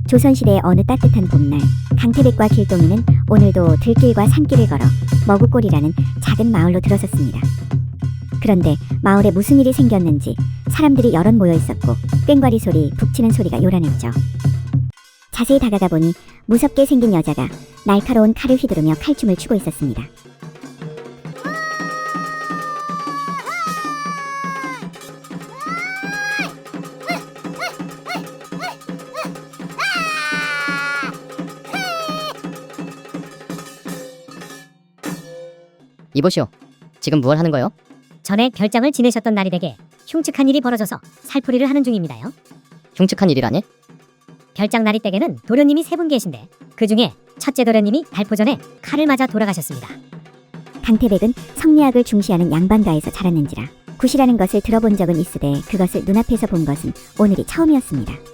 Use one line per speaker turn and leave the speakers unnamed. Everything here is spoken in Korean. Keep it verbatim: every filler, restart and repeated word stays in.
조선시대의 어느 따뜻한 봄날, 강태백과 길동이는 오늘도 들길과 산길을 걸어 머구골이라는 작은 마을로 들어섰습니다. 그런데 마을에 무슨 일이 생겼는지 사람들이 여럿 모여 있었고 꽹과리 소리, 북치는 소리가 요란했죠. 자세히 다가가 보니 무섭게 생긴 여자가 날카로운 칼을 휘두르며 칼춤을 추고 있었습니다.
이보시오. 지금 무얼 하는 거요?
전에 별장을 지내셨던 날이 되게 흉측한 일이 벌어져서 살풀이를 하는 중입니다요.
흉측한 일이라니?
별장 날이 댁에는 도련님이 세 분 계신데 그 중에 첫째 도련님이 발포 전에 칼을 맞아 돌아가셨습니다.
강태백은 성리학을 중시하는 양반가에서 자랐는지라 굿이라는 것을 들어본 적은 있으되 그것을 눈앞에서 본 것은 오늘이 처음이었습니다.